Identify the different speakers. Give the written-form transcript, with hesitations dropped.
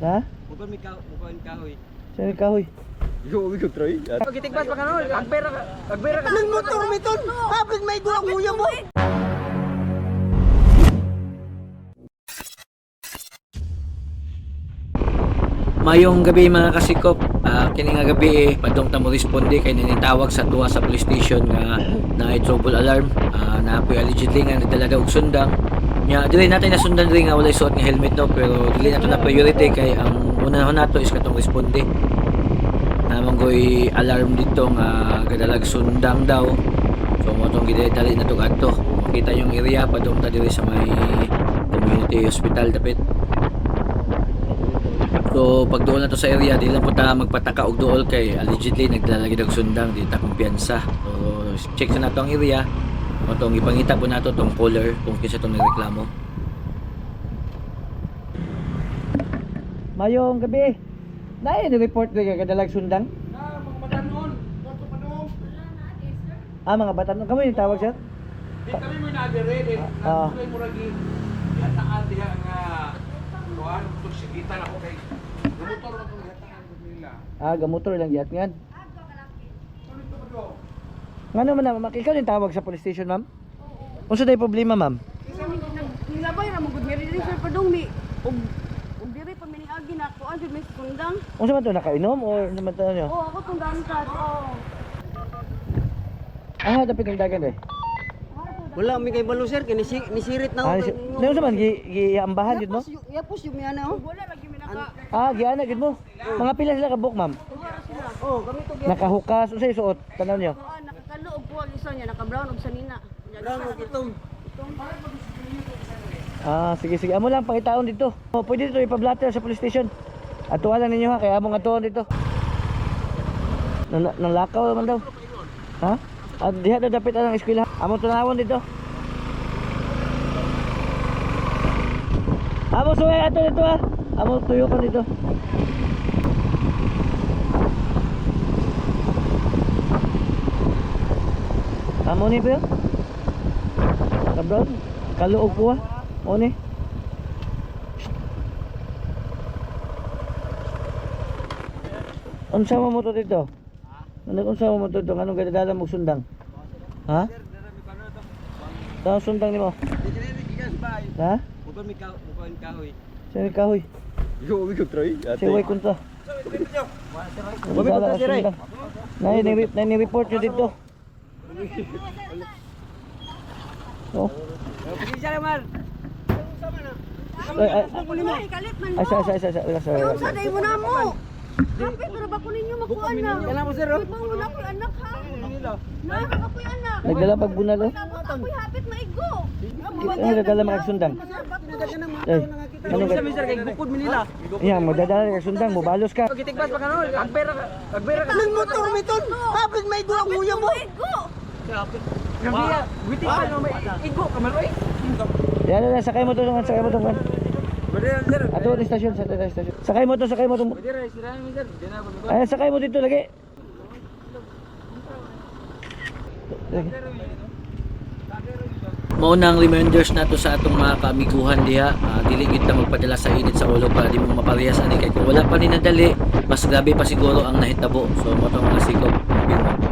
Speaker 1: Ha?
Speaker 2: Bukod may kahoy.
Speaker 1: Saan yung kahoy?
Speaker 2: Ikaw, Troy.
Speaker 3: Pagitigbas pa ka no, agbera ka.
Speaker 4: Nang motor may ton. Kapit may gulang huya mo.
Speaker 3: Mayong gabi mga kasikop, kini nga gabi padong ta mo responde kay ninitawag sa tuwa sa police station nga na trouble alarm na apoy allegedly nga nagdala daw og sundang. Nya dili natin na sundan rin nga walay suot nga helmet no, pero dili nato na priority kay ang una nato is katong responde. Namang goy alarm dito nga gadalag sundang daw. So mo tong gidali na to kadto. Makita yung area padong ta diri sa may community hospital dapit. So pag doon na to sa area, di lang po ta magpataka og dool kay allegedly naglalagay og sundang, di ta kumpiyansa. So check sa nato ang area. O tong ipangita po nato tong caller kung kinsa tong nagreklamo.
Speaker 1: Mayong gabi. Naay ni report kay kadalag sundang?
Speaker 4: Mga batanon. Kato pa no.
Speaker 1: Mga batanon kamo yung tawag sir?
Speaker 4: Di kami mo na-ready. Nasuloy mo lagi. Yataan diha nga kuan ug sigitan ako kay motor na tong yataan nila.
Speaker 1: Gamotor lang giat ngan.
Speaker 4: Ano ito ba do?
Speaker 1: Ngano man na makikaw yung tawag sa police station, ma'am? Unsa day problema, ma'am?
Speaker 5: Nilabay ra mo gud mi diri sir padong mi og diri pa miniagi na ako anjud may sundang.
Speaker 1: Unsa man to nakainom or naman to nyo?
Speaker 5: Oh ako tong damsat. Oh.
Speaker 1: Dapit ng dagan eh.
Speaker 4: Wala mi kay balo sir kay nisirit na ako.
Speaker 1: Unsa man giambahan jud mo?
Speaker 4: Yapos yung mi ana oh.
Speaker 5: Wala lagi mi naka.
Speaker 1: Giana gid mo. Mga pila sila ka book, ma'am?
Speaker 4: Oh, kami to
Speaker 1: Nakahukas, unsa suot? Tanaw nyo?
Speaker 5: Nakakalo og puwag isa niya naka brown og sanina.
Speaker 4: brown og itong.
Speaker 1: Sige. Amo lang pangitaon dito. Pwede dito ipa-blatter sa police station. Atuan lang ninyo ha, kaya among atuon dito. Nang lakaw man daw. Ha? At diha daw dapit ang eskwela. Among tunawon dito. Among suway ato dito ha. Among tuyo ka dito. Amo ni ba? Kabron, kaluog po ha. O ni. Unsa mo to dito? Unsa mo to dito? Anong gadadala mo sundang? Ha? Daw sundang nimo. Ha?
Speaker 2: Bukod may kahoy.
Speaker 1: Saan yung kahoy?
Speaker 2: Ikaw, Troy.
Speaker 1: Siway kunta. Gadadala ka sundang. Nai-report nyo dito. Oh.
Speaker 2: Pagkisa naman.
Speaker 5: Kalit man mo. Sa day mo na mo. Kapit ra ba ko ninyo makuan na?
Speaker 4: Kana mo sir.
Speaker 5: Ibangon ako anak ha. Na ako anak.
Speaker 1: Nagdala pag bunal oh.
Speaker 5: Ako'y hapit maigo.
Speaker 1: Ano nagdala mga sundang? Eh, ano
Speaker 3: Sa mister kay bukod mi nila.
Speaker 1: Iya, magdadala ka sundang, mubalos ka.
Speaker 3: Pagitigbas pa ka no, agbera ka.
Speaker 4: Nang motor may ton. Kapit may gulang huya mo.
Speaker 5: Maigo.
Speaker 3: Gabi witi ka no may igo ka man oy.
Speaker 1: Yan, sakay mo to. Ato sa stasyon, sa stasyon. Sakay mo to.
Speaker 3: Dire sirahan mi sir. Dina ba.
Speaker 1: Ay, sakay mo dito lagi.
Speaker 3: Maunang reminders nato sa atong mga kaamiguhan diha, dili gid ta magpadala sa init sa ulo para di mo maparehas ani kay kung wala pa ni nadali, mas grabe pa siguro ang nahitabo. So mo tong mga sikop.